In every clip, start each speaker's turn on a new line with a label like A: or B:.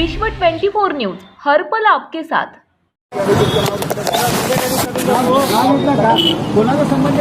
A: विश्व 24 न्यूज हर पल आपके साथ।
B: कोणाचा संबंध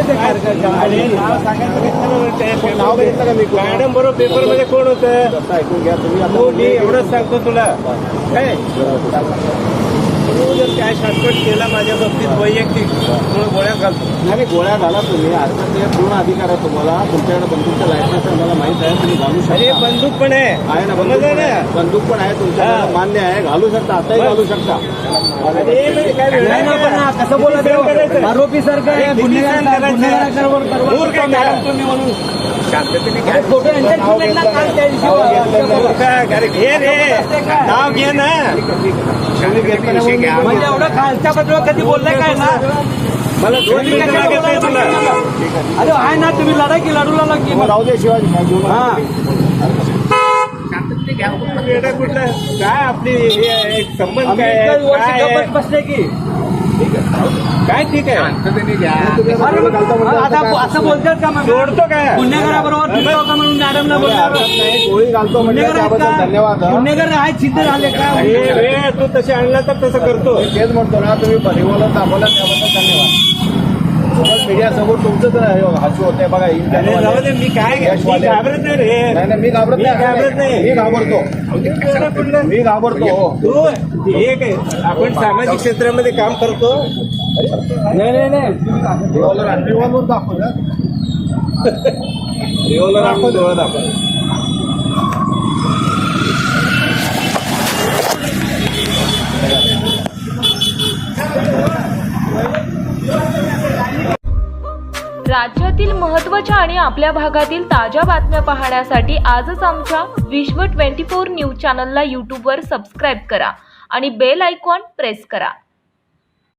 C: मॅडम बरोबर पेपर मध्ये कोण होतं
B: ऐकून घ्या तुम्ही.
C: मी एवढंच सांगतो तुला काय तू जर काय शॉर्टकट केला माझ्या बाबतीत वैयक्तिक म्हणून गोळ्या घालतो.
B: नाही गोळ्या घाला तुम्ही. आता ते पूर्ण अधिकार आहे तुम्हाला. तुमच्याकडे बंदूकचं लायसन्स आहे मला माहित आहे. तुम्ही घालू
C: अरे
B: शकता.
C: बंदूक पण आहे
B: ना
C: समजलं ना.
B: बंदूक पण आहे तुमच्याकडे मान्य आहे. घालू शकता. आताही घालू शकता.
C: अरे म्हणजे काय
B: नाही ना, पण कसं बोला
C: करायचं?
B: आरोपी सारखं आहे.
C: किती
B: गुन्हेगार
C: सहन करायचं?
B: गुन्हेगारांवर
C: मूर्ख आहे
B: मॅडम तुम्ही म्हणून
C: शांततेने काय
B: फोटो यांच्या चिमण्यातला काल त्या दिवशी
C: अरे घे रे नाव घे ना.
B: म्हणजे एवढं खालच्या बद्दल कधी बोललाय काय ना.
C: मला 2 मिनिटं लागत नाही तुला.
B: अरे आहे ना तुम्ही लढा की लढूला लागी राहू दे शिवाजी. हा
C: वेडा कुठला काय आपली हे एक संबंध काय आहे?
B: बसले की
C: काय ठीक आहे
B: आता असं बोलतात का मग
C: सोडतो काय
B: गुन्हेगाराबरोबर फिरतो का म्हणून मॅडमला बोलणार गोळी घालतो म्हणजे त्याबद्दल धन्यवाद.
C: गुन्हेगार आहेत सिद्ध झाले का तू तसे आणला तर तसं करतो.
B: तेच म्हणतो ना तुम्ही परिवाला दाखवला त्याबद्दल धन्यवाद. सोशल मीडिया समोर तुमचंच हसू होते बघा.
C: जाऊ दे, मी काय मी घाबरत नाही रे.
B: नाही मी घाबरत नाही. मी घाबरतो. मी घाबरतो.
C: तू एक आपण सामाजिक क्षेत्रामध्ये काम करतो.
B: नाही रिव्हॉल्वर दाखव.
C: रिव्हॉल्वर आपण डोळा दाखव.
A: राज्यातील महत्त्वाच्या आणि आपल्या भागातील ताज्या बातम्या पाहण्यासाठी आजच आमच्या विश्व 24 न्यूज चॅनलला यूट्यूबवर सबस्क्राईब करा आणि बेल आयकॉन प्रेस करा.